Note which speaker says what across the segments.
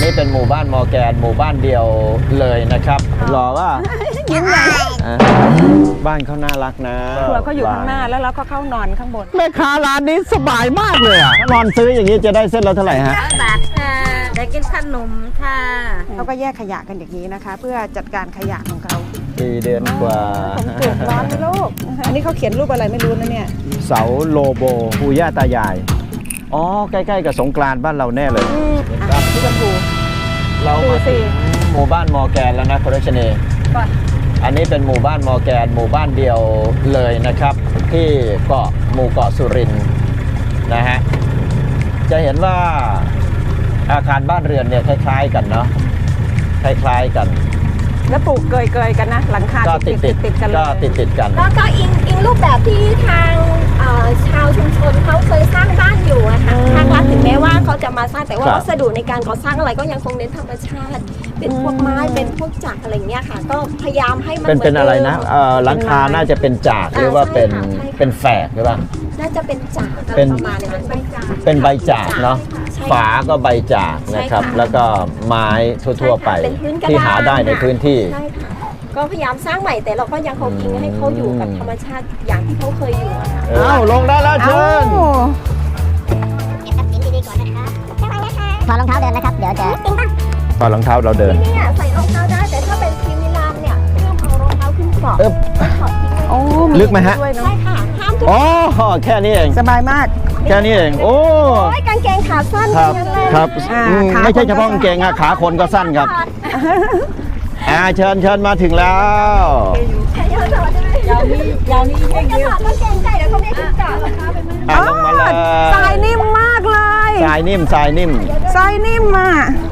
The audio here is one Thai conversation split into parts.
Speaker 1: นี้เป็นหมู่บ้านมอร์แกนหมู่บ้านเดียวเลยนะครับรอว่า
Speaker 2: ยิ้มใหญ่
Speaker 1: บ้านเขาน่ารักนะ
Speaker 2: ครัวเขาอยู่ข้างหน้าแล้วเราก็เข้านอนข้างบน
Speaker 1: แม่ค้าร้านนี้สบายมากเลยอ่ะนอนซื้ออย่างนี้จะได้เส้นละเท่าไหร่ฮะ
Speaker 3: 100 บาทค่ะได้กินขนมค่ะ
Speaker 2: เขาก็แยกขยะกันอย่างนี้นะคะ เพื่อจัดการขยะของเขา
Speaker 1: ปีเดือนกว่า
Speaker 2: ผมปลูกร้อนไหมลูกอันนี้เขาเขียนรูปอะไรไม่รู้นะเนี่ย
Speaker 1: เสาโลโบปู่ย่าตายายอ๋อใกล้ๆกับสงกรานต์บ้านเราแน่เลย
Speaker 2: พี่ชมพู
Speaker 1: เรามาถึงหมู่บ้านมอร์แกนแล้วนะคุณรัชนีอันนี้เป็นหมู่บ้านมอร์แกนหมู่บ้านเดียวเลยนะครับ ที่หมู่เกาะสุรินทร์นะฮะจะเห็นว่าอาคารบ้านเรือนเนี่ยคล้ายๆกันเนาะคล้ายๆกัน
Speaker 2: แล้วปลูกเกยๆกันนะหลังคา
Speaker 1: ก็ติดกัน
Speaker 2: เลย
Speaker 1: ก็ติดกัน
Speaker 3: แล้วก็อิงรูปแบบที่ทางชาวชุมชนเขาเคยสร้างบ้านอยู่อะค่ะทางรัฐถึงแม้ว่าเขาจะมาสร้างแต่ว่าวัสดุในการก่อสร้างอะไรก็ยังคงเน้นธรรมชาติ เป็นพวกไม้เป็นพวกจักรอะไรอย่างเงี้ยค่ะ ก็พยายามให้มัน
Speaker 1: เป็นอะไรนะหลังคาน่าจะเป็นจากหรือว่าเป็นแฝกหรือเปล่า
Speaker 3: น่าจะเป็นจักรอะไรประมาณนั้นใบจาก
Speaker 1: เป็นใบจากเนาะ
Speaker 3: ใช่
Speaker 1: ฝาก็ใบจากนะครับ
Speaker 3: ใช่ค่ะ
Speaker 1: แล้วก็ไม้ทั่วๆไป
Speaker 3: ใช่ค่ะเป็นพื้นกระดาน
Speaker 1: ที่หาได้ในพื้นที่
Speaker 3: ใช่ค่ะก็พยายามสร้างใหม่แต่เราก็ยังคงอิงให้เขาอยู่กับธรรมชาติอย่างที่เขาเคยอยู่อะค่ะ
Speaker 1: เอ้าลงได้แล้วเชิญ
Speaker 4: ถอดรองเท้าเดินนะครับ เดี๋ยวจะ
Speaker 1: ตอนรองเท้าเราเดิน
Speaker 3: ที่เนี่ยใส่รองเท้าได้แต่ถ้าเป็นทีมิลานเนี่ยเริ่มเอารองเท้าขึ้นเกาะ
Speaker 1: อึ๊บ
Speaker 3: ถอดทิ้งไว้
Speaker 2: โอ้
Speaker 1: ลึกไหมฮะ
Speaker 2: ด้วยเนอะ
Speaker 3: ใช่ค่ะห้ามทุก
Speaker 1: อ๋อแค่นี้เอง
Speaker 2: สบายมาก
Speaker 1: แค่นี้เองโอ้
Speaker 3: โอ้ยกางเกงขาสั้น
Speaker 1: ครับ
Speaker 3: ทั้งนั้นเลย
Speaker 1: ครับ
Speaker 2: อ่า
Speaker 1: ไม่
Speaker 2: ขา
Speaker 1: ใช่
Speaker 2: คนก็
Speaker 1: เฉพาะกางเกงอะขาคนก็สั้นครับเชิญมาถึงแล้ว
Speaker 3: ยาวนี่จะถอดกางเกงใส่แล้วเขาไม่ขึ้นเกาะนะคะเป็นไม่
Speaker 1: ลงมาเลย
Speaker 2: ทรายนิ่มมากเลย
Speaker 1: ทรายนิ่มทรายนิ่ม
Speaker 2: ทรายนิ่มอ่ะ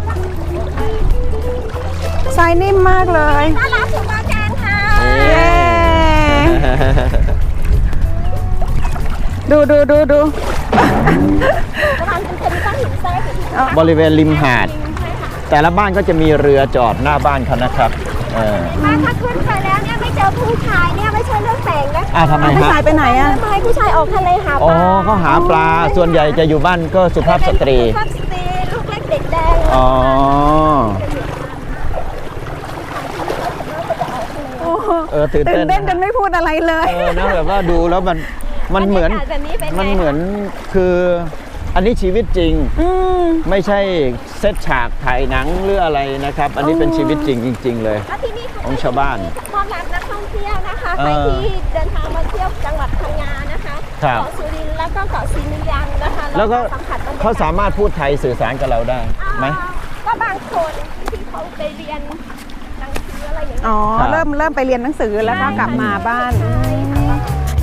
Speaker 2: ทรายนิ่มมากเลย
Speaker 3: น่ารักสุดมาแกนค่ะ
Speaker 2: เย้ดู
Speaker 3: ประมาณเป็นก้อนหินทรายที่
Speaker 1: บริเวณริมหาด แต่ละบ้านก็จะมีเรือจอดหน้าบ้านเขานะครับ
Speaker 3: มาถ้าขึ้นไปแล้วเนี่ยไม่เจอผู้ชายเนี่ยไม่ใช่เรื่องแต่งนะคะ
Speaker 1: ทำไม
Speaker 2: ผู้
Speaker 1: ฮะ
Speaker 2: ชายไปไหนอ่ะ
Speaker 3: ไม่ให้ผู้ชายออกทะเลหาป
Speaker 1: อ๋อ
Speaker 3: ลา
Speaker 1: เขาหาปลาส่วนใหญ่จะอยู่บ้านก็สุภาพสตรี
Speaker 3: สุภาพสตรีลูกเล็กเด็กแดง
Speaker 1: อ๋อ ตื่น
Speaker 2: ตื่น
Speaker 1: เต้น
Speaker 2: เต้นจนไม่พูดอะไรเลย
Speaker 1: นะแบบว่าดูแล้วมันเหมือน
Speaker 3: บรรยากาศแบบนี้เป็นไง
Speaker 1: มันเหมือนคืออันนี้ชีวิตจริง ไม่ใช่เซตฉากถ่ายหนังหรืออะไรนะครับ อันนี้เป็นชีวิตจริงจริง ๆ เลย
Speaker 3: แล้วที่นี่
Speaker 1: ของชาวบ้าน
Speaker 3: ต้อนรับนักท่องเที่ยวนะคะใครที่เดินทางมาเที่ยวจังหวัดพังงานะคะ
Speaker 1: ครับ
Speaker 3: เกาะสุรินทร์แล้วก็เกาะศรีมิยังนะคะ
Speaker 1: แล้วก็
Speaker 3: สัมผัสบรรยากาศ
Speaker 1: เขาสามารถพูดไทยสื่อสารกับเราได้ไหม
Speaker 3: ก็บางคนที่เขาไปเรียนหนังสืออะไรอย่างเงี้ย
Speaker 2: อ๋อ
Speaker 1: ครับ
Speaker 2: เริ่มไปเรียนหนังสือแล้วก็กลับมาบ้าน
Speaker 3: ใช่ค่ะ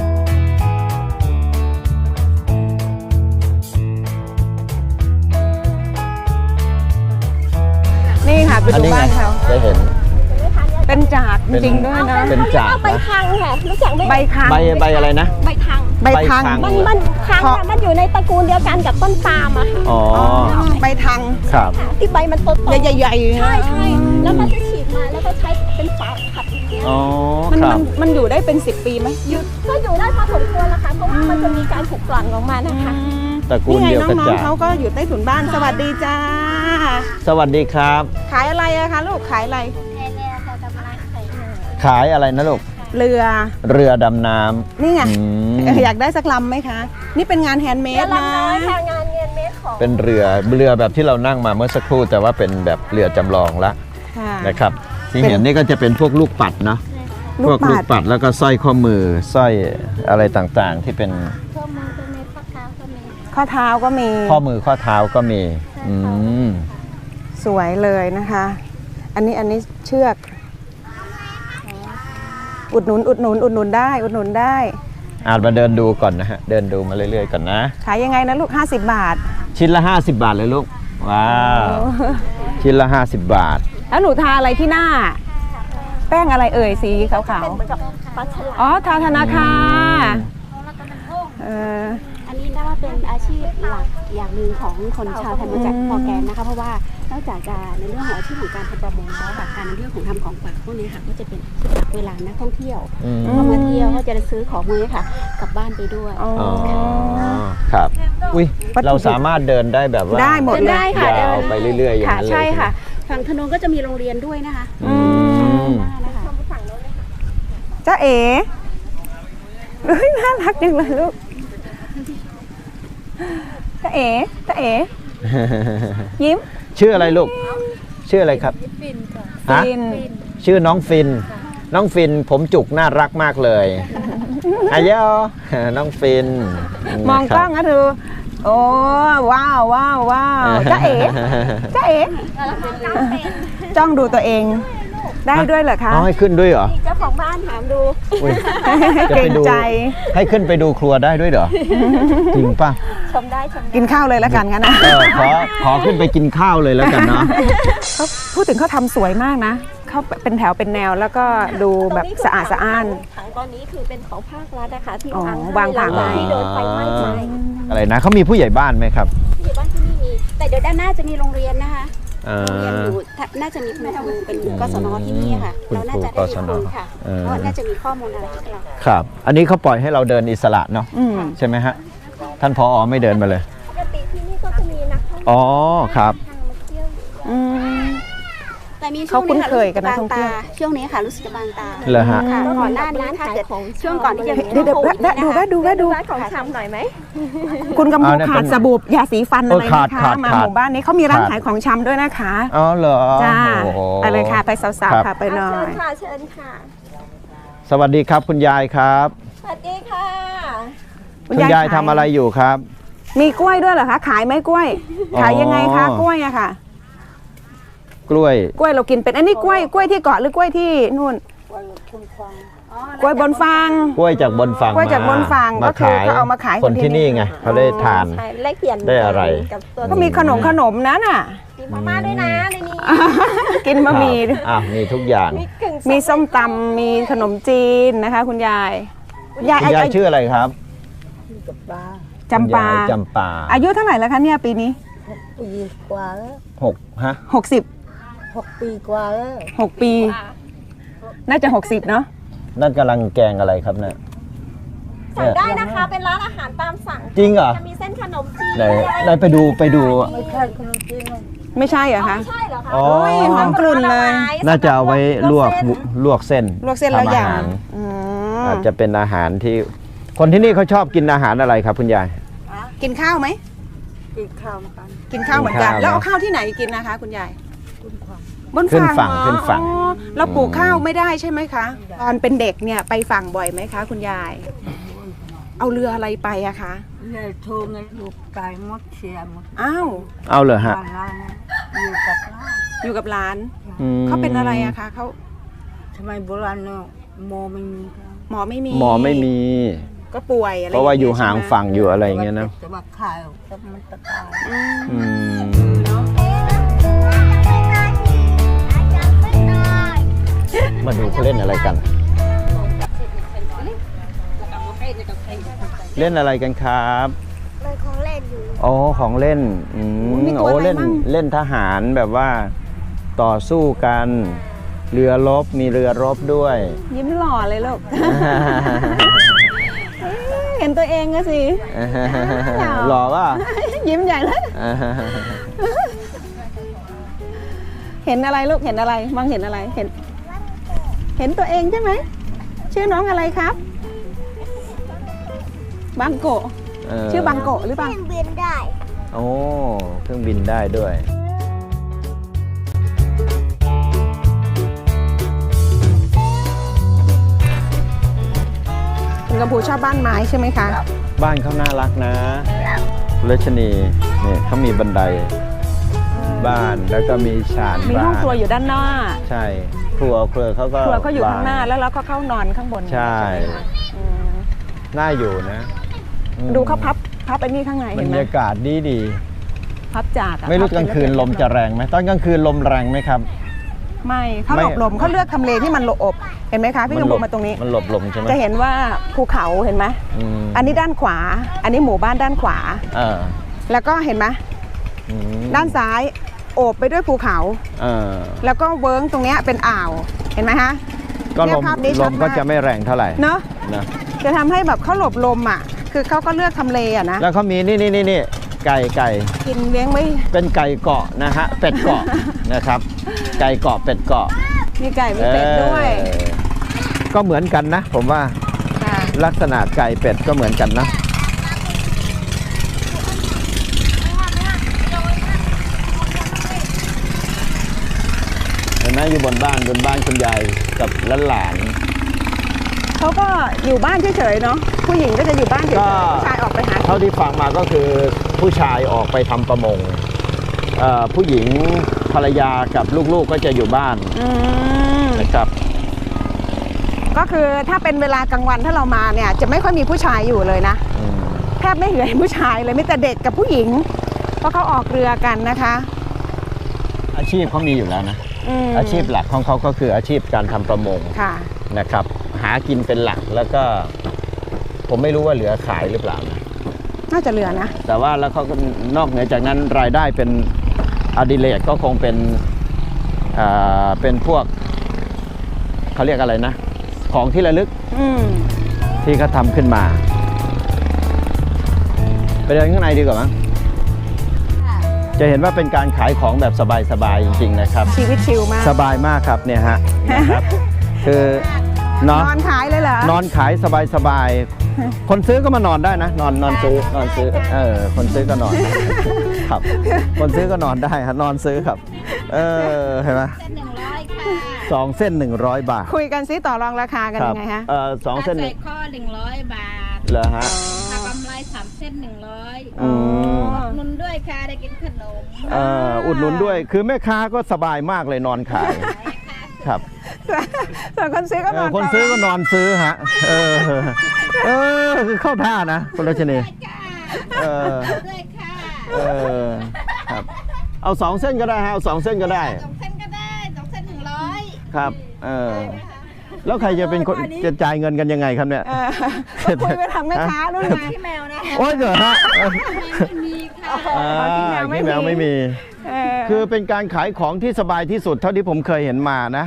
Speaker 2: นี่ค่ะไป
Speaker 1: อัน
Speaker 2: ดู
Speaker 1: นี้ไง
Speaker 2: บ้านเขา
Speaker 1: จะเห็น
Speaker 2: เป็นจากจริงๆด้วยนะ
Speaker 1: เป็นจาก
Speaker 3: เอาใบคังค่ะรู้จักไหม
Speaker 2: ใบคัง
Speaker 1: ใบอะไรนะ
Speaker 3: ใบคัง
Speaker 2: ใบคัง
Speaker 1: ใบคัง
Speaker 3: มันคังค่ะมันอยู่ในตระกูลเดียวกันกับต้นปาล์มอะค่ะ
Speaker 1: อ๋อ
Speaker 2: ใบทัง
Speaker 1: ครับ
Speaker 3: ที่ใบมันโตๆ
Speaker 2: ใหญ่ๆ
Speaker 3: ใช่แล้วก็จะฉีดมาแล้วก็ใช้เป็นฝาขัดอย่างเงี้ย
Speaker 1: อ๋อ
Speaker 2: มัน
Speaker 1: ครับ
Speaker 2: มันอยู่ได้เป็น10 ปีไหม
Speaker 3: ก็อยู่ได้พอสมควรละค่ะเพราะว่ามันจะมีการถูกกลั่นออกมานะคะ
Speaker 1: ตระกูล
Speaker 2: นี่ไง
Speaker 1: เดียวกัน
Speaker 2: น้อง
Speaker 1: จาก
Speaker 2: ๆเขาก็อยู่ใต้ถุนบ้านสวัสดีจ้า
Speaker 1: สวัสดีครับ
Speaker 2: ขายอะไรอะคะลูกขายอะไร
Speaker 1: ขายอะไรนะลูก
Speaker 2: เรือ
Speaker 1: เรือดำน้ำ
Speaker 2: นี่ไง
Speaker 1: อืม
Speaker 2: อยากได้สักลำไหมคะ นี่เป็นงานแฮนด์เม
Speaker 3: เรือ
Speaker 2: ดนะ
Speaker 3: ลำน้อยค่ะงานเงินเมตรของ
Speaker 1: เป็นเรือแบบที่เรานั่งมาเมื่อสักครู่แต่ว่าเป็นแบบเรือจำลองละ
Speaker 2: ค่ะ
Speaker 1: นะครับ ที่เห็นนี่ก็จะเป็นพวกลูกปัดเนาะ
Speaker 2: ลู
Speaker 1: พ
Speaker 2: ก
Speaker 1: วก
Speaker 2: ปัด
Speaker 1: ลูกปัดแล้วก็สร้อยข้อมือสร้อยอะไรต่างๆ ที่เป็น
Speaker 3: เครื่องมือเป็นเมตรข้อเท้าก็มี
Speaker 2: ข้อเท้าก็มี
Speaker 1: ข้อมือข้อเท้าก็มีอืม
Speaker 2: สวยเลยนะคะ อันนี้เชือก อุดหนุนได้
Speaker 1: อาจมาเดินดูก่อนนะฮะเดินดูมาเรื่อยๆก่อนนะ
Speaker 2: ขายยังไงนะลูก50 บาท
Speaker 1: ชิ้นละ50 บาทเลยลูกว้าวชิ้นละ50 บาท
Speaker 2: แล้วหนูทาอะไรที่หน้า แป้งอะไรเอ่ยสีขาว
Speaker 3: เป็นเหมือนกับปลาฉลา
Speaker 2: ๆอ๋อทาธนาคารเออ
Speaker 5: อันนี้นับว่าเป็นอาชีพหลักอย่างหนึ่งของคนชาวไทยมาจากมอร์แกนนะคะเพราะว่านอกจากจะในเรื่องของอาชีพของการทำประมงแล้วค่ะการในเรื่องของทำของฝากพวกนี้ค่ะก็จะเป็นอาชีพหลักเวลานักท่องเที่ยว
Speaker 1: อืม
Speaker 5: เข้ามาเที่ยวก็จะซื้อของมือค่ะกลับบ้านไปด้วย
Speaker 2: อ๋อ
Speaker 1: อ๋อครับอุ้ยเราสามารถเดินได้แบบว่า
Speaker 2: ได้หมดเลย
Speaker 5: ได้ค่ะ
Speaker 1: ยาวไปเรื่อยๆอย่าง
Speaker 5: ค่ะ
Speaker 1: นั้นเลย
Speaker 5: ใช่ค่ะฝั่งถนนก็จะมีโรงเรียนด้วยนะคะ
Speaker 1: อืม
Speaker 5: นะคะ
Speaker 2: จ้าเอ๋เฮ้ยน่ารักจังเลยลูกจ้าเอ๋จ้าเอ๋ยิ้ม
Speaker 1: ชื่ออะไรลูก ชื่ออะไรครับฮะ
Speaker 2: ฟิน
Speaker 1: ชื่อน้องฟิน น้องฟินผมจุกน่ารักมากเลยอายอน้องฟิน
Speaker 2: มองกล้องนะเธอโอ้ว้าวว้าวว้าวจ้าเอ๋จ้าเอ๋จ้องดูตัวเองได้ด้วยเหรอคะ
Speaker 1: เอาให้ขึ้นด้วยเหรอ
Speaker 3: เจ้าของบ้านถามดู
Speaker 1: อุ๊ย
Speaker 2: เกรงใจ
Speaker 1: ให้ขึ้นไปดูครัวได้ด้วยเหรอ จริงป่ะ
Speaker 3: ชมได้ชมได้
Speaker 2: กินข้าวเลยแล้วกันงั้นนะ
Speaker 1: ขอขึ้นไปกินข้าวเลยแล้วกันเนาะ
Speaker 2: เขาพูดถึงเขาทำสวยมากนะเขาเป็นแถวเป็นแนวแล้วก็ดูแบบสะอาดสะอ้าน
Speaker 3: ถังตอนนี้คือเป็นของภาครัฐนะคะที่
Speaker 2: อ๋อ
Speaker 3: วางให้
Speaker 2: วางผัง
Speaker 3: หลัที่โดนไฟไหม้ไป
Speaker 1: อะไรนะเขามีผู้ใหญ่บ้านไหมครับ
Speaker 3: ที่อยู่บ้านที่นี่มี
Speaker 5: แต่เดี๋ยวด้านหน้าจะมีโรงเรียนนะคะ
Speaker 1: อ่า
Speaker 5: โรงเรียนอยู่น่าจะมีคุณครูเป็นกศนที่นี่ค่ะ
Speaker 1: คุณครู
Speaker 5: เราน่าจะได้คุยค่ะ
Speaker 1: เออ
Speaker 5: เพราะน่าจะมีข้อมูลอะไรให้เรา
Speaker 1: ครับ อันนี้เขาปล่อยให้เราเดินอิสระเนาะ
Speaker 2: อืม
Speaker 1: ใช่ไหมฮะ ท่านผอไม่เดินมาเลย
Speaker 3: ปกติที่นี่ก็จะมีนักท่องเที่ยว
Speaker 1: อ๋อครับ
Speaker 3: ทางมาเที่ยวอยู่
Speaker 2: อืม
Speaker 5: แต่มีช่
Speaker 2: เขา
Speaker 5: วง
Speaker 2: คุ้
Speaker 5: นี้
Speaker 2: น
Speaker 5: ค่ะ
Speaker 2: เคยกับนักท่องเที่ยว
Speaker 5: ช่วงนี้ค่ะรู้สึกจะบางตา
Speaker 1: เหรอฮะ
Speaker 5: ค่ะก่อนหน้านี้ถ้าเกิดช่วงก่อนที่จะ
Speaker 2: เดี๋ยวแวะดูแวะดูแวะดู
Speaker 3: ร้านของชำหน่อยไหม
Speaker 2: คุณกำพู
Speaker 1: เอาเนี่ย
Speaker 2: ขา
Speaker 1: เป็
Speaker 2: ด
Speaker 1: น
Speaker 2: สบู่ยาสีฟันอะไร
Speaker 1: ขาด
Speaker 2: นะคะ
Speaker 1: ขาด
Speaker 2: มา
Speaker 1: ขาด
Speaker 2: หมู่บ้านนี้เขามีร้าน
Speaker 1: ขาด
Speaker 2: ขายของชำด้วยนะคะ
Speaker 1: อ๋อเหรอ
Speaker 2: จ้า
Speaker 1: โอ้โห
Speaker 2: ไปเลยค่ะไปสาวๆ
Speaker 1: ครั
Speaker 2: ค่ะ
Speaker 1: บ
Speaker 2: ไปหน่อ
Speaker 3: เชิญ
Speaker 2: ย
Speaker 3: ค่ะเชิญค่ะ
Speaker 1: สวัสดีครับคุณยายครับ
Speaker 3: สวัสดีค่ะ
Speaker 1: คุณยายทำอะไรอยู่ครับ
Speaker 2: มีกล้วยด้วยเหรอคะขายไหมกล้วย
Speaker 1: อ๋อ
Speaker 2: ขายยังไงคะกล้วยอะค่ะ
Speaker 1: กล้วย
Speaker 2: กล้วยเรากินเป็นอันนี้กล้วยที่เกาะหรือกล้วยที่นู่นกล้วยบนฟาง
Speaker 1: กล้วยจากบนฝั่ง
Speaker 2: กล้วยจากบนฝั่ง
Speaker 1: มา
Speaker 2: ก็คือ
Speaker 1: ขาย
Speaker 2: เขาเอามาขาย
Speaker 1: คนที่นี่ไงเขาได้ทาน
Speaker 3: ใช่แลกเปลี่ยน
Speaker 1: ได้อะไร
Speaker 3: กับตัว
Speaker 2: ก็มีขนมนั้นน่ะ
Speaker 3: มีมาม่าด้วยนะในนี้
Speaker 2: กินบะหมี่
Speaker 1: อ่ะมีทุกอย่าง
Speaker 3: มีกึ่ง
Speaker 2: มีส้มตำมีขนมจีนนะคะ คุณยายคุณยาย
Speaker 1: คุณยายชื่ออะไรครับ
Speaker 2: จำปา
Speaker 1: คุณยยจำปา
Speaker 2: อายุเท่าไหร่แล้วคะเนี่ยปีนี้
Speaker 6: ปีกว่าแล้ว
Speaker 1: 6 ฮะ
Speaker 2: 60
Speaker 6: 6 ปีกว่าแล้ว
Speaker 2: 6 ปี น่าจะ 60เนาะ
Speaker 1: นั่นกำลังแกงอะไรครับเนี่ย
Speaker 3: สั่งได้นะคะ เป็นร้านอาหารตามสั่ง
Speaker 1: จริงเหรอ
Speaker 3: จะมีเส้นขนมจีน
Speaker 1: ไหนไปดู
Speaker 6: ไม่ใช่ขนมจีนหรอก
Speaker 2: ไม่ใช่เหรอคะ
Speaker 3: ไม่ใช่เหรอคะ
Speaker 1: อ๋อ
Speaker 2: โอ้ยหอมกลุ่นเลย
Speaker 1: น่าจะเอาไว้ลวกเส้น
Speaker 2: ลวกเส้นแล้ว
Speaker 1: ทำ
Speaker 2: อย่าง
Speaker 1: หาร
Speaker 2: อืม
Speaker 1: อาจจะเป็นอาหารที่ คนที่นี่เขาชอบกินอาหารอะไรครับคุณยาย
Speaker 2: กินข้าวไหม
Speaker 6: กินข้าวกัน
Speaker 2: กินข้าวเหมือนกัน
Speaker 1: กินข้าว
Speaker 2: แล้วเอาข้าวที่ไหนกินนะคะ คุณยาย
Speaker 6: คุณความ
Speaker 2: บน
Speaker 1: ขึ้น
Speaker 2: ฝั่ง
Speaker 1: ฝั่ง
Speaker 2: เหรอ
Speaker 1: ขึ้นฝั่ง
Speaker 2: อ๋อเราปลูกข้าวไม่ได้ใช่ไหมคะ ตอนเป็นเด็กเนี่ยไปฝั่งบ่อยไหมคะ คุณยาย เอาเรืออะไรไปอะคะ
Speaker 6: ยายโทรเงินลูกตายหมดเสียหมด
Speaker 2: อ้าว
Speaker 1: เอาเลยฮะ
Speaker 6: บ้านร้านอยู่กับร้าน
Speaker 2: อยู่กับหลาน
Speaker 1: อืม
Speaker 2: เขาเป็นอะไรอะคะเขา
Speaker 6: ทำไมโบราณเนาะโมไม่มีกัน
Speaker 2: หมอไม่มี
Speaker 1: หมอไม่มี
Speaker 2: ก็ป่วยอะไร
Speaker 1: เพราะว่าอยู่ห่าง
Speaker 2: ใช่ไม
Speaker 1: ฝั่งอยู่อะไรอย่างเงี้ยนะ
Speaker 6: แต่ว่าข่าวก็มันตะกาย
Speaker 2: อืม
Speaker 1: อืม
Speaker 2: เนาะ
Speaker 1: มาดูเขาเล่นอะไรกัน เล่นอะไรกันครับ
Speaker 3: เลยของเล่นอยู่
Speaker 1: อ๋อของเล่นโอ้เล่นเล่นทหารแบบว่าต่อสู้กัน เรือรบมีเรือรบด้วย
Speaker 2: ยิ้มหล่อเลยลูก เห็นตัวเองก็สิ
Speaker 1: หล่อป่ะ
Speaker 2: ยิ้มใหญ่เลย เห็นอะไรลูก เห็นอะไร มองเห็นอะไร เห็นตัวเองใช่ไหม ชื่อน้องอะไรครับ บังโกะ ชื่อบังโกะหรือเปล่า
Speaker 3: เครื่องบินได้
Speaker 1: โอ้เครื่องบินได้ด้วย
Speaker 2: คุณกำพูชอบบ้านไม้ใช่ไหมคะ
Speaker 1: บ้านเขาน่ารักนะคุณรัชนีนี่เขามีบันไดบ้านแล้วก็มีฉาน
Speaker 2: มี
Speaker 1: บ้า
Speaker 2: ห้อง
Speaker 1: น
Speaker 2: ครัวอยู่ด้านหน้า
Speaker 1: ใช่ ครัวเขาก็
Speaker 2: ครัวก็อยู่ข้างหน้า
Speaker 1: ว
Speaker 2: แล้วเราก็เข้านอนข้างบน
Speaker 1: ใช่
Speaker 2: ไหมคะอืม
Speaker 1: น่าอยู่นะอืม
Speaker 2: ดูเขาพับไอ้นี่ข้างใน
Speaker 1: บร
Speaker 2: เห็นไห
Speaker 1: ร
Speaker 2: ม
Speaker 1: ยากาศดี
Speaker 2: พับจากอะ
Speaker 1: ไม่รู้กลางคืนลมจะแรงไหมตอนกลางคืนลมแรงไหมครับ
Speaker 2: ไม่เขาหลบ
Speaker 1: ไม่
Speaker 2: ลมเขาเลือกทำเลที่มันหลบอบเห็นไหมคะพี่กำพูมาตรงนี้
Speaker 1: มันหลบลมใช่ไหม
Speaker 2: จะเห็นว่าภูเขาเห็นไหม
Speaker 1: ม
Speaker 2: อันนี้ด้านขวา อันนี้หมู่บ้านด้านขวา
Speaker 1: เออ
Speaker 2: แล้วก็เห็นไหม
Speaker 1: อืม
Speaker 2: ด้านซ้ายโอบไปด้วยภูเขา
Speaker 1: เออ
Speaker 2: แล้วก็เวิ้งตรงเนี้ยเป็นอ่าว เห็นไหมคะ
Speaker 1: ก็
Speaker 2: เนี่ย
Speaker 1: ลม
Speaker 2: ภาพนี้
Speaker 1: ล
Speaker 2: ชัด
Speaker 1: ม
Speaker 2: มาก
Speaker 1: ก็จะไม่แรงเท่าไหร่
Speaker 2: เนาะ
Speaker 1: นะ
Speaker 2: จะทำให้แบบเขาหลบลมอ่ะคือเขาก็เลือกทำเลอะนะ
Speaker 1: แล้วเขามีนี่ไก่
Speaker 2: กินเลี้ยงไม่
Speaker 1: เป็นไก่เกาะนะฮะเป็ดเกาะนะครับ ไก่เกาะเป็ดเกาะ
Speaker 2: มีไก่มีเป็ดด้วย
Speaker 1: ก็เหมือนกันนะ ผมว่า
Speaker 2: ค่ะ
Speaker 1: ลักษณะไก่เป็ดก็เหมือนกันนะเห็นไหมอยู่บนบ้านคุณยายกับหลาน
Speaker 2: เขาก็อยู่บ้านเฉยๆเนาะผู้หญิงก็จะอยู่บ้านเฉย
Speaker 1: ก็
Speaker 2: ๆผู้ชายออกไปหา
Speaker 1: เท่าที่ฟังมาก็คือผู้ชายออกไปทำประมงผู้หญิงภรรยากับลูกๆก็จะอยู่บ้าน
Speaker 2: อืม
Speaker 1: นะครับ
Speaker 2: ก็คือถ้าเป็นเวลากลางวันถ้าเรามาเนี่ยจะไม่ค่อยมีผู้ชายอยู่เลยนะ
Speaker 1: อืม
Speaker 2: แทบไม่เห็นผู้ชายเลยมีแต่เด็กกับผู้หญิง เพราะเขาออกเรือกันนะคะ
Speaker 1: อาชีพเขามีอยู่แล้วนะ
Speaker 2: ม
Speaker 1: อาชีพหลักของเขาก็คืออาชีพการทำประมง
Speaker 2: ค่ะ
Speaker 1: นะครับ หากินเป็นหลักแล้วก็ ผมไม่รู้ว่าเหลือขายหรือเปล่านะ
Speaker 2: น่าจะเรือนะ
Speaker 1: แต่ว่าแล้วเขาก็นอกเหนือจากนั้นรายได้เป็นอดิเรกก็คงเป็นพวกเขาเรียกอะไรนะ ของที่ระลึก
Speaker 2: อืม
Speaker 1: ที่เขาทำขึ้นมา ไปเดินข้างในดีกว่ามั้งจะเห็นว่าเป็นการขายของแบบสบายๆจริง ๆ นะครับ
Speaker 2: ชีวิตชิลมาก
Speaker 1: สบายมากครับเนี่ยฮะนะครับ คือเนาะ
Speaker 2: นอนขายเลยเหรอน
Speaker 1: อนขายสบายๆคนซื้อก็มานอนได้นะ นอนซื้อคนซื้อก็นอนได้ครับ คนซื้อก็นอนได้ครับนอนซื้อครับ เห็นไหมสองเส้น100 บาท
Speaker 2: คุยกันซิต่อรองราคากัน
Speaker 1: ครั
Speaker 2: ยังไงฮะ
Speaker 1: สองเส้น
Speaker 7: ใส่ข้อ100 บาท
Speaker 1: เหรอฮะ
Speaker 7: ถ้ากำไร3 เส้น100
Speaker 1: อืม
Speaker 7: นุนด้วยค่ะได้กินขนม
Speaker 1: อุดหนุนด้วยคือแม่ค้าก็สบายมากเลยนอนขายครับ
Speaker 2: ส่วนคนซื้อก็นอน
Speaker 1: คนซื้อก็นอนซื้อฮะคือเข้าท่านะคุณรัชนีเออ
Speaker 7: ด้วยค่ะ
Speaker 1: ครับเอา2 เส้นก็ได้ฮะเอา2 เส้นก็ได้
Speaker 7: 2 เส้นก็ได้2 เส้น100
Speaker 1: ครับแล้วใครจะเป็นคนจะจ่ายเงินกันยังไงครับเนี่ย
Speaker 2: ก็คุยไปทางแม่ค้านู่นไง
Speaker 7: พี่แมวนะ
Speaker 1: โอ้ยเหรอฮะ
Speaker 7: ไม่มีค่ะ
Speaker 2: พี่แมวไม่มี
Speaker 1: พี่แมวไม่มี
Speaker 2: เออ
Speaker 1: คือเป็นการขายของที่สบายที่สุดเท่าที่ผมเคยเห็นมานะ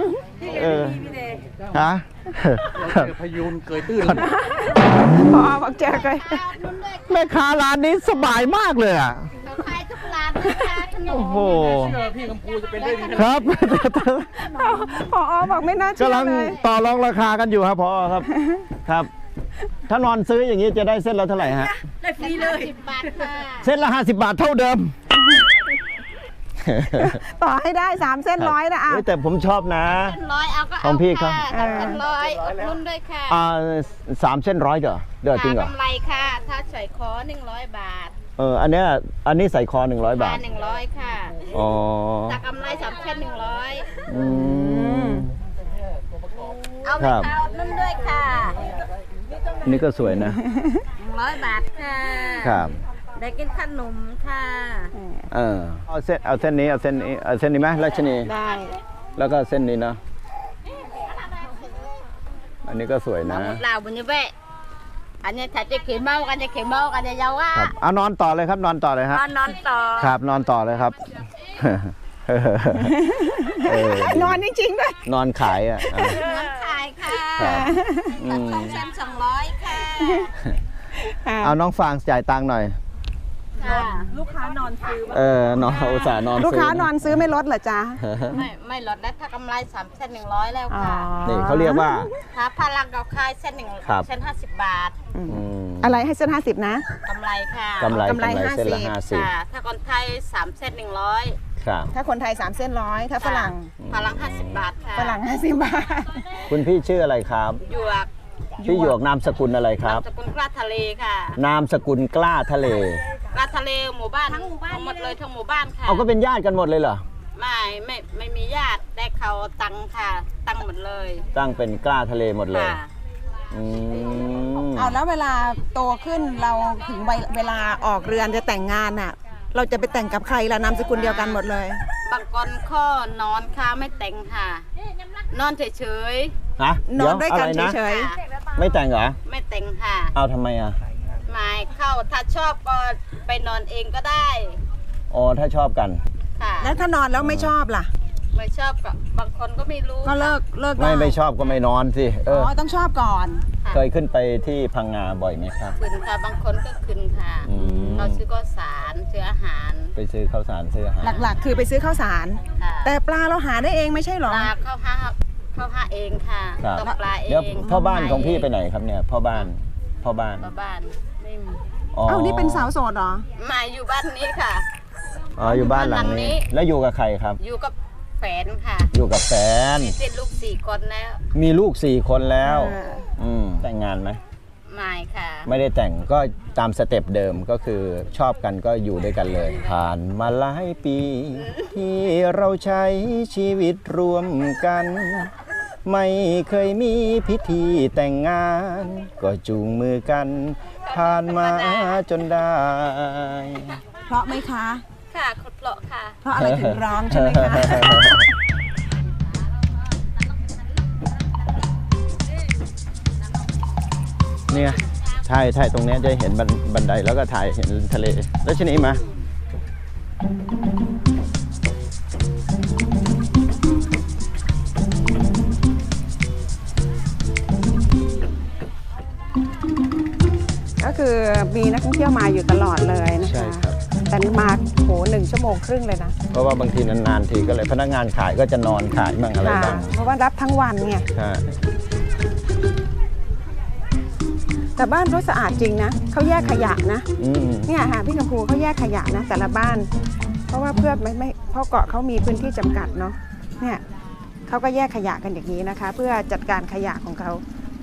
Speaker 1: ฮะ
Speaker 8: พยูนเกยตื้น
Speaker 2: พอบอกเจอเลย
Speaker 7: นุนด้วย
Speaker 1: แม่ค้าร้านนี้สบายมากเลยอ่ะ
Speaker 7: เราขายทุกร้านนะคะขนม
Speaker 1: โอ้โห
Speaker 8: พี่กัมพูจะเป็นได้ดี
Speaker 1: ครับ
Speaker 2: พอบอกไม่น่าเชื่
Speaker 1: กำ
Speaker 2: อ
Speaker 1: ลัง
Speaker 2: เลย
Speaker 1: ต่อรองราคากันอยู่ครับพอครับ ครับ ถ้านอนซื้ออย่างนี้จะได้เส้นละเท่าไหร่ฮะ
Speaker 7: ได้ฟรีเลย10 บาทค่ะ
Speaker 1: เส้นละ50 บาทเท่าเดิม
Speaker 2: ต่อให้ได้3 เส้นร้อยนะอ่ะ
Speaker 1: เฮ้ยแต่ผมชอบนะ
Speaker 7: 100เอาก็
Speaker 1: ข
Speaker 7: เอา
Speaker 1: องพี่ครับ
Speaker 7: ค่ะ3 เส้น100นุนด้วยค่ะ
Speaker 1: 3 เส้น100เด้อจริงเหรอ
Speaker 7: กำไรค่ะ ถ้าใส่คอ100 บาท
Speaker 1: อันนี้ใส่คอ100 บาท
Speaker 7: 100 ค่ะ
Speaker 1: อ๋อ
Speaker 7: ถ้ากำไร3 เส้น100
Speaker 1: อืม
Speaker 7: เอาไหม
Speaker 1: ครับ
Speaker 7: คะนุ่นด้วยค่ะ
Speaker 1: อันนี้ก็สวยนะ
Speaker 7: 100 บาทค่ะ
Speaker 1: ครับ
Speaker 7: ได้กินขนมค่ะ
Speaker 1: เอาเส้นนี้เอาเส้นนี้ไหมราชนี
Speaker 2: ได้
Speaker 1: แล้วก็เส้นนี้เนาะอันนี้ก็สวยนะ
Speaker 7: หมดแล้วบุญยเวะอันนี้ถ้าจะเขียนเมากันจะเขียนเมากันจะยาวอ่ะ
Speaker 1: ครับเอานอนต่อเลยครับนอนต่อเลยฮะ
Speaker 7: นอนต่อ
Speaker 1: ครับนอนต่อเลยครับ
Speaker 2: นอนจริงๆด้วย
Speaker 1: นอนขายอ่ะ
Speaker 7: นอนขายค่ะ
Speaker 1: ครับอืม
Speaker 7: 2 เส้น200 ค่ะ
Speaker 1: เอาน้องฟางจ่ายตังค์หน่อย
Speaker 7: ค่ะ
Speaker 1: นอนอุตส่าห์นอน
Speaker 2: ลูกค้า
Speaker 1: ซื้
Speaker 2: นอนซื้อไม่ลดเหรอจ๊ะ
Speaker 7: ไม่ลดแล้วถ้ากำไร3 เส้น100 แล้วค่ะ
Speaker 1: นี่เขาเรียกว่า
Speaker 7: ถ้าพลังกับคายเส้น1
Speaker 1: ครับ
Speaker 7: เส้น50 บาท
Speaker 2: อะไรให้เส้น50นะ
Speaker 7: กำไรค่ะ
Speaker 1: กำไร
Speaker 2: กำไร
Speaker 1: เส้นละ
Speaker 2: 50
Speaker 7: ค่ะ ถ้าคนไทย3 เส้น100
Speaker 1: ครับ
Speaker 2: ถ้าคนไทย3 เส้นร้อยถ้าฝรั่ง
Speaker 7: พลัง50 บาทค่ะ
Speaker 2: ฝรั่ง50 บาท
Speaker 1: คุณพี่ชื่ออะไรครับ
Speaker 7: หยวก
Speaker 1: พี่หยวกนามสกุลอะไรครับ
Speaker 7: สกุลกล้าทะเลค่ะ
Speaker 1: นามสกุลกล้าทะเล
Speaker 7: กล้าทะเลหมู่บ้านทั้งหมู่บ้านหมดเลยทั้งหมู่บ้านค่ะ
Speaker 1: เอาก็เป็นญาติกันหมดเลยเหรอ
Speaker 7: ไม่มีญาติแต่เขาตังค่ะ ตังหมดเลย
Speaker 1: ตั้งเป็นกล้าทะเลหมดเลย
Speaker 7: ค่ะ
Speaker 1: อืม
Speaker 2: เอาแล้วเวลาโตขึ้นเราถึงเวลาออกเรือนจะแต่งงานอ่ะ เราจะไปแต่งกับใครล่ะนามสกุลเดียวกันหมดเลย
Speaker 7: บางคนข้อนอนค่ะไม่แต่งค่ะ นอนเฉย
Speaker 1: ฮะ
Speaker 2: นอนด้วยกัน
Speaker 1: อะไรนะ
Speaker 2: เฉย
Speaker 1: ไม่แต่งเหรอ
Speaker 7: ๆไม่แต่งค่ะ
Speaker 1: เอาทำไมอ่ะ
Speaker 7: ไม่เข้าถ้าชอบก็ไปนอนเองก็ได้
Speaker 1: อ๋อถ้าชอบกัน
Speaker 7: ค่ะ
Speaker 2: ๆ แล้วถ้านอนแล้วไม่ชอบล่ะ
Speaker 7: ไม่ชอบกับบางคนก็ไม่รู้
Speaker 2: ก็เลิกได้
Speaker 1: ไม่ชอบก็ไม่นอนสิ
Speaker 2: ต้องชอบก่อน
Speaker 1: เคยขึ้นไปที่พังงาบ่อยไหมครับ
Speaker 7: ขึ้นค่ะบางคนก็ขึ้นค่ะ เราซื้อก็สารซื้ออาหาร
Speaker 1: ไปซื้อข้าวสารซื้ออาหาร
Speaker 2: หลักๆ คือไปซื้อข้าวสาร
Speaker 7: ค่ะ
Speaker 2: แต่ปลาเราหาได้เองไม่ใช่หร
Speaker 7: ป
Speaker 2: อ
Speaker 7: ลาเข้าห้าเองค่ะ
Speaker 1: ครับ
Speaker 7: ตกปลาเอง
Speaker 1: เดี๋ยวพ่อบ้านของพี่ไปไหนครับเนี่ยพ่อบ้าน
Speaker 7: พ่อบ้านไม่มี
Speaker 2: นี่เป็นสาวโสดเหรอ
Speaker 7: มาอยู่บ้านนี้ค่ะ
Speaker 1: อ๋ออยู่บ้านหลังนี้ แล้วอยู่กับใครครับ
Speaker 7: อยู่กับแฟนค่ะ
Speaker 1: อยู่กับแฟน
Speaker 7: มีเป็นลูก4 คนแล้ว
Speaker 1: มีลูก4 คนแล้ว
Speaker 2: อ่า
Speaker 1: แต่งงานไหม
Speaker 7: ไม่ค่ะ
Speaker 1: ไม่ได้แต่งก็ตามสเต็ปเดิมก็คือชอบกันก็อยู่ด้วยกันเลย ผ่านมาหลายปี ที่เราใช้ชีวิตรวมกัน ไม่เคยมีพิธีแต่งงาน ก็จูงมือกัน ผ่านมาจนได้
Speaker 2: เพราะไหมคะ
Speaker 7: ค่ะคนเพราะค่ะ
Speaker 2: เพราะอะไรถึงร้องใช่ไหมคะ
Speaker 1: เนี่ยถ่ายตรงเนี้ยจะเห็นบันไดแล้วก็ถ่ายเห็นทะเลแล้วชนี้มา
Speaker 2: ก็คือมีนักท่องเที่ยวมาอยู่ตลอดเลยนะ
Speaker 1: ใช่
Speaker 2: คะ
Speaker 1: ครับ
Speaker 2: แต่มา1 ชั่วโมงครึ่งเลยนะ
Speaker 1: เพราะว่าบางทีนานๆทีก็เลยพนักงานขายก็จะนอนขายบ้างอะไร
Speaker 2: ค่ะ
Speaker 1: บ้าง
Speaker 2: เพราะว่ารับทั้งวันไง
Speaker 1: ใช่
Speaker 2: แต่บ้านเขาสะอาดจริงนะเขาแยกขยะนะ
Speaker 1: อืม
Speaker 2: เนี่ยค่ะพี่กัมพูเขาแยกขยะนะแต่ละบ้าน เพราะว่าเพื่อไม่เพราะเกาะเขามีพื้นที่จำกัดเนาะเนี่ยเขาก็แยกขยะกันอย่างนี้นะคะ เพื่อจัดการขยะของเขา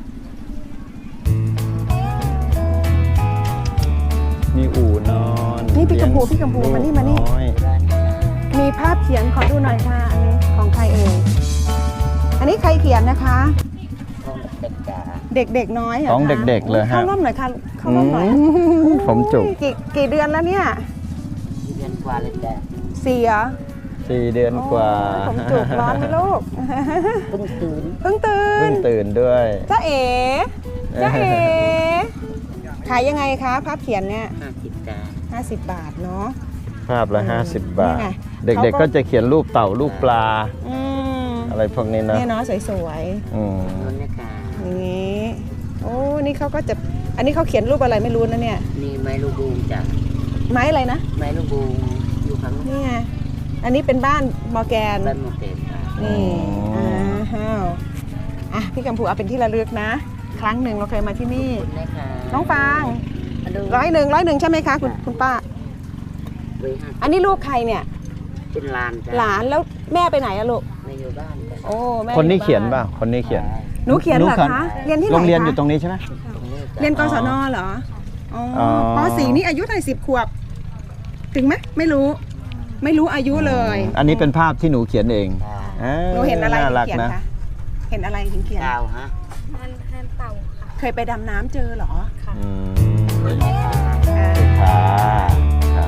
Speaker 1: มีอู่นอน
Speaker 2: นี่พี่กัมพูมานี่มานี่
Speaker 1: ลูกอย
Speaker 2: มีภาพเขียนขอดูหน่อยค่ะอันนี้ของใครเอ่ยอันนี้ใครเขียนนะคะ เด็กๆน้อยเหรอ
Speaker 1: ของ
Speaker 2: คะ
Speaker 1: เด็กๆเลยฮะ
Speaker 2: เข้าร่วมหน่อยค่ะเข้าร่วมหน่อย
Speaker 1: ผมจุก
Speaker 2: กี่เดือนแล้วเนี่ย
Speaker 6: เดือนกว่าเลยจ้ะ
Speaker 2: 4 เหรอ
Speaker 1: 4 เดือนกว่า
Speaker 2: โอ้ยผมจุกร้อนไหมลูก
Speaker 6: เพิ่งตื่น
Speaker 2: เพิ่งตื่
Speaker 1: เพิ่
Speaker 2: น
Speaker 1: งตื่นด้วย
Speaker 2: จ้าเอ๋จ้าเอ๋ขายยังไงคะภาพเขียนเนี่ย
Speaker 6: 50จ้ะ
Speaker 2: 50 บาทเนาะ
Speaker 1: ภาพละ50 บาท
Speaker 2: นี่ไง
Speaker 1: เด็ก
Speaker 2: เขาก็
Speaker 1: ๆก็จะเขียนรูปเต่ารูปปลา
Speaker 2: อืม
Speaker 1: อะไรพวกนี้นะ
Speaker 2: เนี่ยเนาะสวย
Speaker 1: อืม
Speaker 6: นั่นนะคะ
Speaker 2: ๆอย่างนี้โอ้นี่เขาก็จะอันนี้เขาเขียนรูปอะไรไม่รู้นะเนี่ย
Speaker 6: นี่ไม้ลูกบูงจ้ะ
Speaker 2: ไม้อะไรนะ
Speaker 6: ไม้ลูกบูงอยู่ข้าง
Speaker 2: นี่ไงอันนี้เป็นบ้านมอร์แกน
Speaker 6: บ้านโมเตนจ้ะ
Speaker 2: นี่อ้าวพี่กัมพูเอาเป็นที่ระลึกนะ ครั้งหนึ่งเราเคยมาที่นี่
Speaker 6: นะคะ
Speaker 2: น้องฟาง
Speaker 6: มาดู
Speaker 2: 100ใช่ไหมคะคุณป้า
Speaker 6: เว้ยห้า
Speaker 2: อันนี้ลูกใครเนี่ย
Speaker 6: เป็นลานจ้ะ
Speaker 2: หลานแล้วแม่ไปไหนอะลูก
Speaker 6: ไม่อยู่บ้านจ้ะ
Speaker 2: โอ้แม่
Speaker 1: คนนี้
Speaker 2: อบ้า
Speaker 1: เขียนป่ะคนนี้เขียน
Speaker 2: หนูเขียนเหรอคะเรียนที่ไหน
Speaker 1: โรงเรียน
Speaker 2: คะ
Speaker 1: อยู่ตรงนี้ใช่ไหม
Speaker 6: ตรงนี้จ้ะ
Speaker 2: เรียนกศนเหรออ๋อ
Speaker 1: อ
Speaker 2: ป .4 นี่อายุเท่าไหร่10 ขวบ ถึงไหมไม่รู้อายุเลย
Speaker 1: อันนี้เป็นภาพที่หนูเขียนเอง
Speaker 6: จ้ะ
Speaker 2: หนูเห็นอะไร
Speaker 1: น่า
Speaker 2: ถึง
Speaker 1: รัก
Speaker 2: เขียน
Speaker 1: นะ
Speaker 2: คะเห็นอะไรถึงเขียน
Speaker 6: ดาวฮะ
Speaker 2: เคยไปดำน้ำเจอเหรอ
Speaker 1: อืม
Speaker 2: อ่า
Speaker 1: ค่ะครับ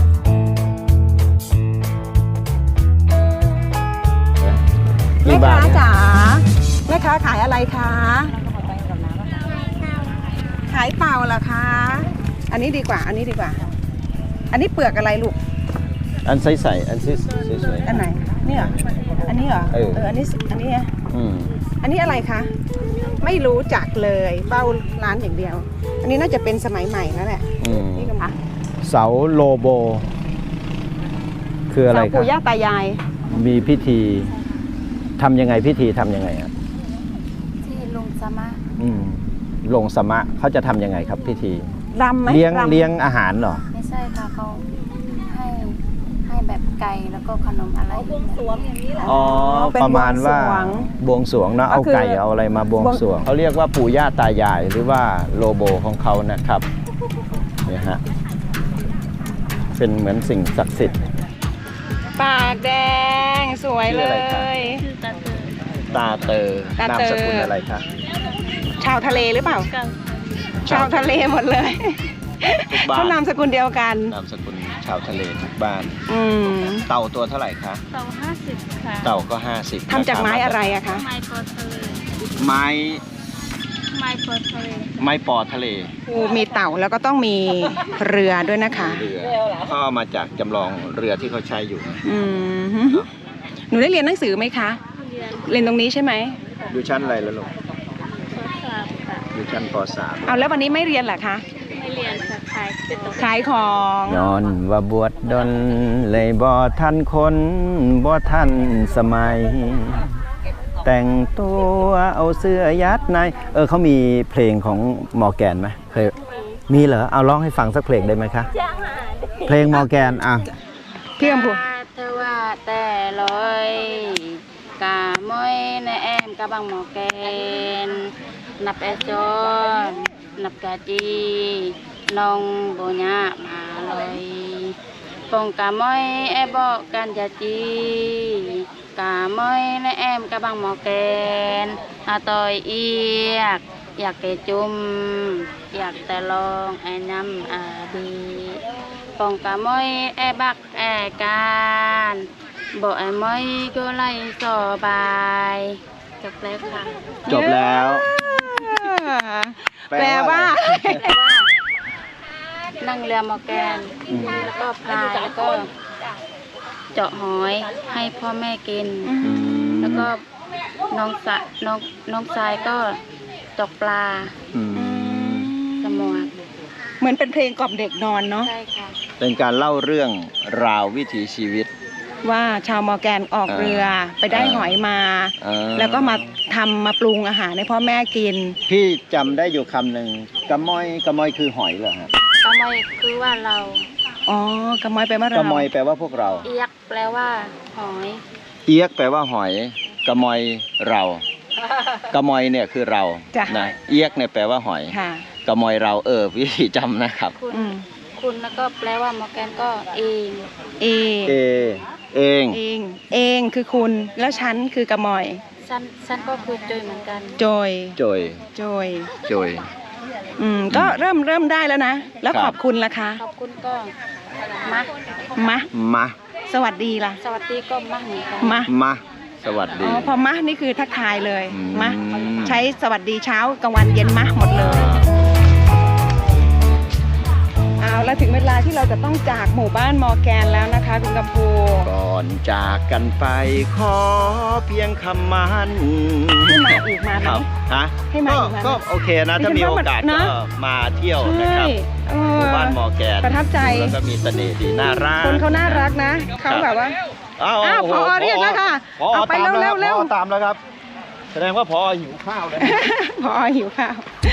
Speaker 2: แม่
Speaker 1: กี่บา
Speaker 2: ค้า
Speaker 1: ทเนี่ย
Speaker 2: จ๋าแม่ค้าขายอะไรคะขายเปล่าเหรอคะอันนี้ดีกว่า อันนี้เปลือกอะไรลูก
Speaker 1: อันใสๆอันสวย
Speaker 2: อันไหนนี่เหรออันนี้เหรอ
Speaker 1: เออ
Speaker 2: อันนี้อะ
Speaker 1: ๆอืม
Speaker 2: อันนี้อะไรคะไม่รู้จักเลยเป้าร้านอย่างเดียว อันนี้น่าจะเป็นสมัยใหม่แล้วแหละ
Speaker 1: อืม
Speaker 2: นี่ก็มา
Speaker 1: เสาโลโบ คืออะไร
Speaker 2: เสา
Speaker 1: ครับ
Speaker 2: ปู่ย่าตายาย
Speaker 1: มีพิธีทำยังไงพิธีทำยังไงอ่ะ
Speaker 5: ที่ลุงสามารถ
Speaker 1: ลงสมะเขาจะทำยังไงครับพิธี
Speaker 2: รำไหม
Speaker 1: เลี้ยง
Speaker 2: รำ
Speaker 1: เลี้ยงอาหารเหรอ
Speaker 5: ไม่ใช่ค่ะเขาให้แบบไก่แล้วก็ขนมอะไรบวงสรวงอย่างนี้แหละ
Speaker 1: อ๋อ
Speaker 2: เป็น
Speaker 1: ประมาณว่า
Speaker 2: บวงสรวง
Speaker 1: บวงสรวงเนอะ
Speaker 2: ก็
Speaker 1: เอา
Speaker 2: คือ
Speaker 1: ไก่เอาอะไรมาบวงสรวงเขาเรียกว่าปู่ย่าตายายหรือว่าโลโบของเขานะครับเนี่ยฮะเป็นเหมือนสิ่งศักดิ์สิทธิ์
Speaker 2: ปากแดงสวยเล
Speaker 1: ชื่ออะไรครับ
Speaker 2: ย
Speaker 1: ตาเตอ
Speaker 2: ตาเตอ
Speaker 1: นามสกุลอะไรคะ
Speaker 2: ชาวทะเลหรือเปล่า ชาวทะเลหมดเลย
Speaker 1: ทุกบ้าน
Speaker 2: เขานามสกุลเดียวกัน
Speaker 1: นามสกุลชาวทะเลทุกบ้าน
Speaker 2: อืม
Speaker 1: เต่าตัวเท่าไหร่คะ
Speaker 5: เต่า50 ค่ะ
Speaker 1: เต่าก็50
Speaker 2: ทำจากไม้อะไรอะคะ
Speaker 5: ไม้ปอทะเล
Speaker 1: ไม้
Speaker 5: ไม้ปอทะเล
Speaker 1: ไม้ปอทะเล
Speaker 2: มีเต่าแล้วก็ต้องมีเรือด้วยนะคะ
Speaker 1: เรือก็เอามาจากจำลองเรือที่เขาใช้อยู่
Speaker 2: อืมหนูได้เรียนหนังสือไหมคะ เรียนตรงนี้ใช่ไหม
Speaker 1: อยู่ชั้นอะไรแล้วลูกอยู่ชั้นป .3
Speaker 2: เอาแล้ววันนี้ไม่เรียนเหรอคะ
Speaker 5: ไม่เรียนค่ะขาย
Speaker 2: ของ
Speaker 1: ย้อนว่าบวชดนเลยบ่ทันคนบ่ทันสมัย แต่งตัวเอาเสื้อยัดในเขามีเพลงของมอร์แกนไหมเคยมีเหรอเอาร้องให้ฟังสักเพลงได้ไหมคะเพลงมอร์แกนอ่ะ
Speaker 2: พี่กัมพู
Speaker 7: เธอว่าแต่ลอยกาม้อยในแอมกะบังหมอแกนนับแอจอนนับกะจีน้องโบญามาลอยปงกะม้อยแอบอกกันจะจีกาม้อยในแอมกะบังหมอแกนอาตอยเอียกอยากแกจุ่มอยากแต่ลองไอ้น้ำอาดีปองกะม้อยแอบักแอการบอกไอ้ม้อยก็ไล่สบายจบแล้วค่ะ
Speaker 1: จบแล้ว
Speaker 2: แปลว่า
Speaker 7: นั่งเรือมอร์แกนแล้วก็พายแล้วก็เจาะหอยให้พ่อแม่กิน แล้วก็น้องทรายก็ตกปลาสมวก
Speaker 2: เหมือนเป็นเพลงกล่อมเด็กนอนเนาะ
Speaker 7: ใช่ค่ะ
Speaker 1: เป็นการเล่าเรื่องราววิถีชีวิต
Speaker 2: ว่าชาวมอร์แกนออกเรือไปได้หอยมา แล้วก็มาทำมาปรุงอาหารให้พ่อแม่กิน
Speaker 1: พี่จำได้อยู่คำหนึ่งกระมอยคือหอยเหรอฮะ
Speaker 7: กะมอยคือว่าเรา
Speaker 2: อ๋อกระมอยไปลว่าเรา
Speaker 1: กระมอยแปลว่าพวกเรา
Speaker 7: เอียกแปลว่าหอย
Speaker 1: เอียกแปลว่าหอยกระมอยเรากระมอยเนี่ยคือเรา
Speaker 2: จ้ะ
Speaker 1: นะเอียกเนี่ยแปลว่าหอย
Speaker 2: ค่ะ
Speaker 1: กระมอยเราวิธีจำนะครับ
Speaker 7: คุณ
Speaker 2: อืม
Speaker 7: คุณแล้วก็แปลว่ามอร์แกนก็เอง
Speaker 2: เอ
Speaker 1: เอง
Speaker 2: เองคือคุณแล้วฉันคือกระมอย
Speaker 7: สั้นก็คือจอยเหมือนกัน
Speaker 2: โจย
Speaker 1: โจย
Speaker 2: โจย
Speaker 1: โจย
Speaker 2: ก็เริ่มได้แล้วนะ แล้ว
Speaker 1: ครับ
Speaker 2: ขอบคุณล่ะคะ
Speaker 7: ขอบคุณก็มา
Speaker 2: มะ
Speaker 1: มา
Speaker 2: สวัสดีล่ะ
Speaker 7: สวัสดีก็มาเหมือนกัน
Speaker 2: มะ
Speaker 1: มาสวัส
Speaker 2: อ๋
Speaker 1: ดี
Speaker 2: อพอมะนี่คือทักทายเลย
Speaker 1: อืม
Speaker 2: มะใช้สวัสดีเช้ากลางวันเย็นมะหมดเลยเอาแล้วถึงเวลาที่เราจะต้องจากหมู่บ้านมอร์แกนแล้วนะคะคุณกัมพู
Speaker 1: ก่อนจากกันไปขอเพียงคำมัน
Speaker 2: ให้มาอีกมาไหม
Speaker 1: ครับฮะ
Speaker 2: ให้มาอีกไหม
Speaker 1: ก็โอเคนะ ถ้ามีโอกาส
Speaker 2: นะ
Speaker 1: ก็มาเที่ยวนะครับ
Speaker 2: เอ
Speaker 1: หมู่
Speaker 2: อ
Speaker 1: บ้านมอร์แกน
Speaker 2: ประทับใจ
Speaker 1: แล้วก็มีเสน่ห์ดีน่ารัก
Speaker 2: คนเขาน่ารักนะเขาแบบว่า อ้าวผอเรียกแล้วค่ะ
Speaker 1: ผอ
Speaker 2: เอาไป
Speaker 1: ตาม
Speaker 2: เร็ว
Speaker 1: แล้ว
Speaker 2: เร็ว
Speaker 1: ผอตามแล้วครับ แสดงว่าผอหิวข้าวเลย
Speaker 2: พอหิวข้าว